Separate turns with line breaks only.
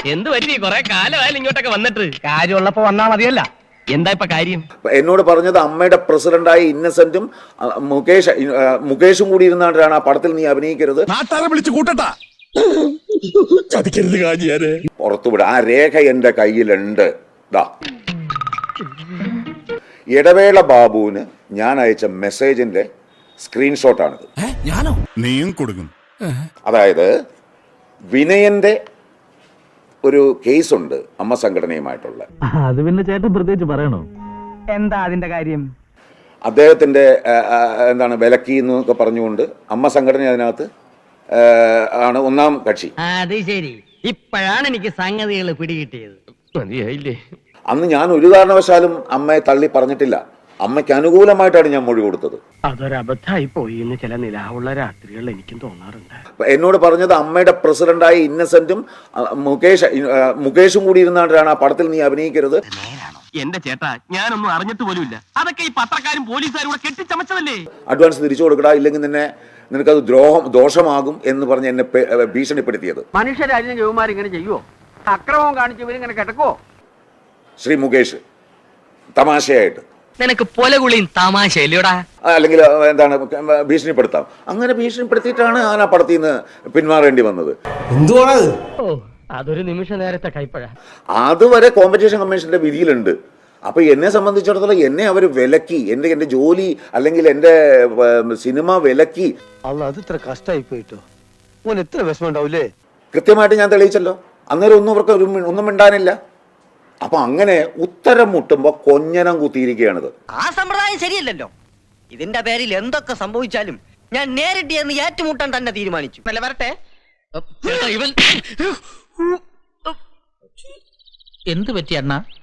എന്ത് പറ്റി? കൊറേ കാലമായാലും ഇങ്ങോട്ടൊക്കെ വന്നിട്ട്.
കാര്യമുള്ളപ്പോ വന്നാ മതിയല്ല.
എന്താ ഇപ്പൊ കാര്യം?
എന്നോട് പറഞ്ഞത് അമ്മയുടെ പ്രസിഡന്റായ ഇന്നസെന്റും മുകേഷും കൂടി ഇരുന്നാണ് ആ പടത്തിൽ നീ അഭിനയിക്കരുത്,
നാട്ടാരെ വിളിച്ചു കൂട്ടട്ടാ, ചതിക്കരുത് കാജിയാരെ,
പുറത്തുവിട. ആ രേഖ എന്റെ കയ്യിലുണ്ട്. ഇടവേള ബാബുവിന് ഞാൻ അയച്ച മെസ്സേജിന്റെ സ്ക്രീൻഷോട്ടാണിത്.
നീയും കൊടുക്കും.
അതായത് വിനയന്റെ ഒരു കേസുണ്ട് അമ്മ സംഘടനയുമായിട്ടുള്ള.
അത് പിന്നെ ചേട്ടൻ പ്രത്യേകിച്ച് പറയണോ?
എന്താ അതിന്റെ കാര്യം?
അദ്ദേഹത്തിന്റെ എന്താണ് വിലക്കി എന്നൊക്കെ പറഞ്ഞുകൊണ്ട് അമ്മ സംഘടന അതിനകത്ത് ആണ് ഒന്നാം കക്ഷി.
അത് ശരി, ഇപ്പോഴാണ് എനിക്ക് സംഗതികൾ പിടികിട്ടിയത്. മതിയായില്ലേ?
അന്ന് ഞാൻ ഒരു കാരണവശാലും അമ്മയെ തള്ളി പറഞ്ഞിട്ടില്ല. അമ്മയ്ക്ക് അനുകൂലമായിട്ടാണ് ഞാൻ മൊഴി കൊടുത്തത്.
അതൊരബദ്ധായി പോയി എന്ന് ചില നിലാവുള്ള രാത്രികൾ എനിക്കും തോന്നാറുണ്ട്.
എന്നോട് പറഞ്ഞത് അമ്മയുടെ പ്രസിഡന്റായ ഇന്നസെന്റും മുകേഷും കൂടി ഇരുന്നാണ് ആ പടത്തിൽ നീ അഭിനയിക്കരുത്.
എന്റെ ചേട്ടാ, ഞാനൊന്നും അറിഞ്ഞിട്ട് പോലുമില്ല. അതൊക്കെ ഈ പത്രക്കാരും പോലീസുകാരും കൂടെ കെട്ടിച്ചമച്ചതല്ലേ.
അഡ്വാൻസ് തിരിച്ചു കൊടുക്കടാ, ഇല്ലെങ്കിൽ നിനക്കത് ദോഷമാകും എന്ന് പറഞ്ഞ് എന്നെ ഭീഷണിപ്പെടുത്തിയത്.
മനുഷ്യരാജ്യം ജവന്മാർ ഇങ്ങനെ ചെയ്യുവോ? അക്രമം കാണിച്ചവരിങ്ങനെ കിടക്കുവോ?
ശ്രീ മുകേഷ് തമാശയായിട്ട്
നിനക്ക് പൊലകുളിയും തമാശയില്ലടാ.
അല്ലെങ്കിൽ എന്താണ് ഭീഷണിപ്പെടുത്താം. അങ്ങനെ ഭീഷണിപ്പെടുത്തിയിട്ടാണ് ഞാൻ ആ പടത്തിൽ നിന്ന് പിന്മാറേണ്ടി വന്നത്.
ഓ, അതൊരു നിമിഷ നേരത്തെ കൈപ്പഴ.
അതുവരെ കോമ്പറ്റീഷൻ കമ്മീഷന്റെ വിധിയിലുണ്ട്. അപ്പൊ എന്നെ സംബന്ധിച്ചിടത്തോളം എന്നെ അവർ വിലക്കി, എന്റെ ജോലി അല്ലെങ്കിൽ എന്റെ സിനിമ വിലക്കി.
അത് ഇത്ര കഷ്ടമായി പോയിട്ടോ. ഓൻ എത്ര വിഷമം ഉണ്ടാവൂലേ?
കൃത്യമായിട്ട് ഞാൻ തെളിയിച്ചല്ലോ. അന്നേരം ഒന്നും അവർക്ക് ഒന്നും മിണ്ടാനില്ല. അപ്പൊ അങ്ങനെ ഉത്തരം മുട്ടുമ്പോ കൊഞ്ഞനം കുത്തിയിരിക്കുകയാണിത്.
ആ സമ്പ്രദായം ശരിയല്ലല്ലോ. ഇതിന്റെ പേരിൽ എന്തൊക്കെ സംഭവിച്ചാലും ഞാൻ നേരിട്ട് എന്ന് ഏറ്റുമുട്ടാൻ തന്നെ തീരുമാനിച്ചു.
നല്ല വരട്ടെ. ഇവൻ എന്ത് പറ്റി അണ്ണാ?